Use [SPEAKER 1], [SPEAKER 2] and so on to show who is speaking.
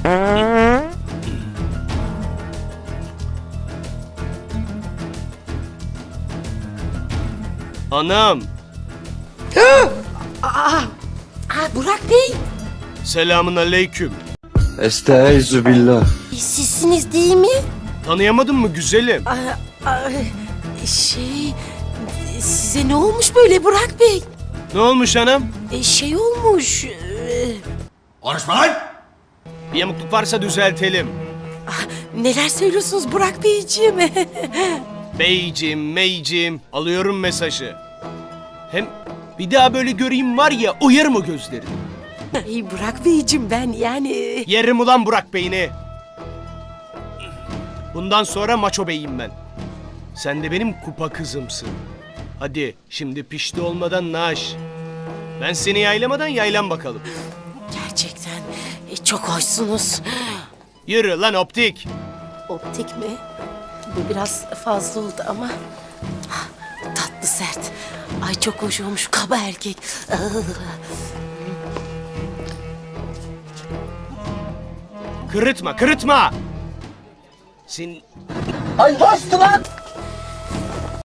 [SPEAKER 1] Anam.
[SPEAKER 2] Burak Bey,
[SPEAKER 1] Selamun aleyküm.
[SPEAKER 3] Estaizu billah.
[SPEAKER 2] sizsiniz değil mi?
[SPEAKER 1] Tanıyamadın mı güzelim?
[SPEAKER 2] Size ne olmuş böyle Burak Bey?
[SPEAKER 1] Ne olmuş anam?
[SPEAKER 2] Şey olmuş.
[SPEAKER 4] Konuşma lan!
[SPEAKER 1] Bir yamukluk varsa düzeltelim.
[SPEAKER 2] Neler söylüyorsunuz Burak Beyciğim?
[SPEAKER 1] Beyciğim, meyciğim, alıyorum mesajı. Hem bir daha böyle göreyim var ya, uyarım o gözlerini.
[SPEAKER 2] Burak Beyciğim ben yani...
[SPEAKER 1] Yerim ulan Burak Bey'ini. Bundan sonra maço beyim ben. Sen de benim kupa kızımsın. Hadi şimdi pişti olmadan naş. Ben seni yaylamadan yaylan bakalım.
[SPEAKER 2] Gerçekten çok hoşsunuz.
[SPEAKER 1] Yürü lan optik.
[SPEAKER 2] Optik mi? Bu biraz fazla oldu ama... Tatlı sert. Ay çok hoş olmuş kaba erkek.
[SPEAKER 1] Kırıtma, kırıtma. Sen...
[SPEAKER 4] Ay bastı lan!